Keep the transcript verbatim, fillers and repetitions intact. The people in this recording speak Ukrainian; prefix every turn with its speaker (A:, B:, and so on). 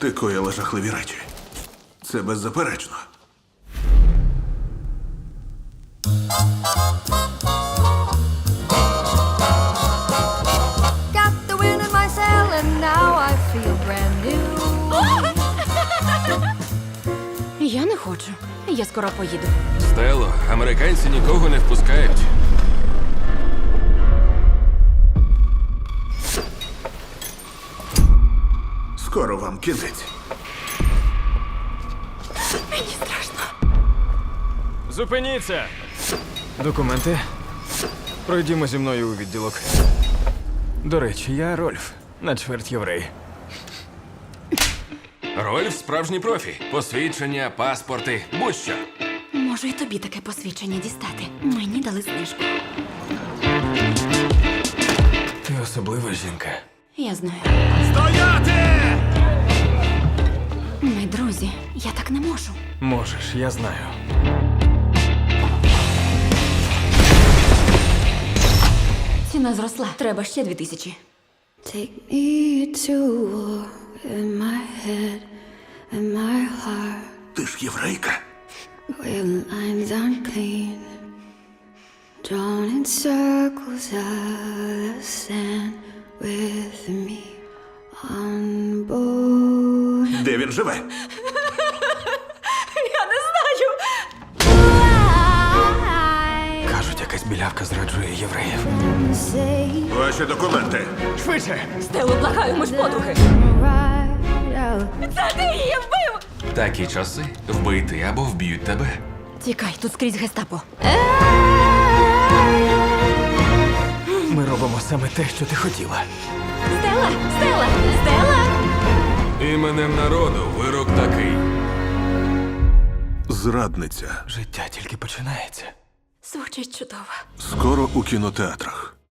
A: Ти коїла жахливі речі. Це беззаперечно.
B: Got the wind in my sail and now I feel brand new.
C: Я не хочу. Я скоро поїду.
D: Стело, американці нікого не впускають.
A: Скоро вам кінець.
C: Мені страшно.
E: Зупиніться! Документи. Пройдімо зі мною у відділок. До речі, я Рольф, на чверть єврей.
D: Рольф справжній профі. Посвідчення, паспорти, будь-що.
C: Можу і тобі таке посвідчення дістати. Мені дали знижку.
E: Ти особлива жінка.
C: Я знаю.
D: Стояти!
C: Ми друзі. Я так не можу.
E: Можеш, я знаю.
C: Ціна зросла. Треба ще дві тисячі.
B: Take me to war in my head and my heart
A: Ти ж єврейка.
B: where lines aren't clean, drawn in circles of the sand with me on board.
A: Де він живе?
C: Я не знаю.
B: I
E: Кажуть, якась білявка зраджує євреїв.
B: say
A: Ваші документи.
E: Швидше!
C: Стелу, благаю, ми ж подруги.
B: right out.
C: Це ти її вбив!
D: Такі часи вбити або вб'ють тебе.
C: Тікай, тут скрізь гестапо.
E: Ми робимо саме те, що ти хотіла.
C: Стела! Стела! Стела!
D: Іменем народу вирок такий.
A: Зрадниця.
E: Життя тільки починається.
C: Звучить чудово.
A: Скоро у кінотеатрах.